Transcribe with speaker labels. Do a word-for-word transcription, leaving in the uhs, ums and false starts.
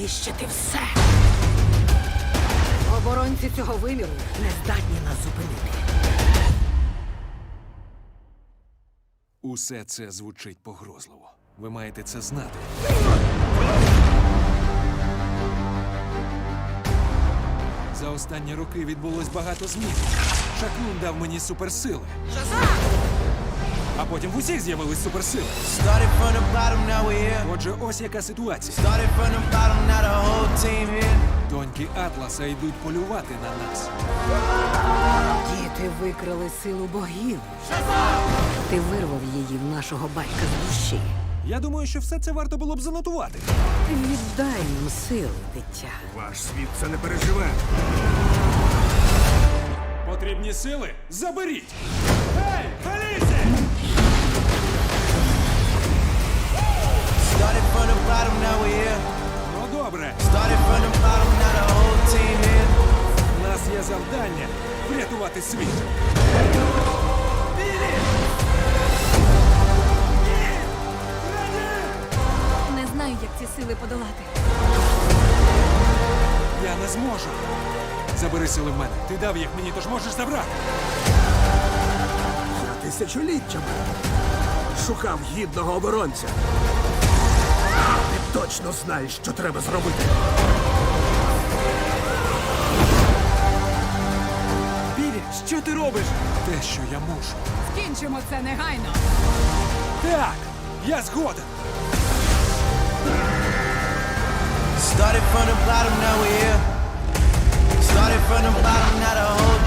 Speaker 1: знищити все. Оборонці цього виміру не здатні нас зупинити.
Speaker 2: Усе це звучить погрозливо. Ви маєте це знати. За останні роки відбулось багато змін. Шаклун дав мені суперсили. А потім в усіх з'явились суперсили.
Speaker 3: Started from the bottom, now we're here.
Speaker 2: Отже, ось яка ситуація.
Speaker 3: Started from the bottom, now the whole team here.
Speaker 2: Доньки Атласа йдуть полювати на нас.
Speaker 1: Діти викрали силу богів. Ти вирвав її в нашого батька з душі.
Speaker 2: Я думаю, що все це варто було б занотувати.
Speaker 1: Віддай їм сили, дитя.
Speaker 4: Ваш світ це не переживе.
Speaker 2: Потрібні сили? Заберіть! Ей, Фелісі!
Speaker 3: Started from the bottom, now we're here.
Speaker 2: Ну добре,
Speaker 3: Started from the bottom, now the whole team here.
Speaker 2: у нас є завдання врятувати світ.
Speaker 5: Не знаю, як ці сили подолати.
Speaker 2: Я не зможу. Забери сили в мене. Ти дав їх мені, тож можеш забрати.
Speaker 4: Я тисячоліттями шукав гідного оборонця. Ти точно знаєш, що треба зробити.
Speaker 2: Білі, що ти робиш? Те, що я мушу.
Speaker 1: Скінчимо це негайно.
Speaker 2: Так, я згоден.
Speaker 3: Started from the bottom, now we're here. Started from the bottom, now the whole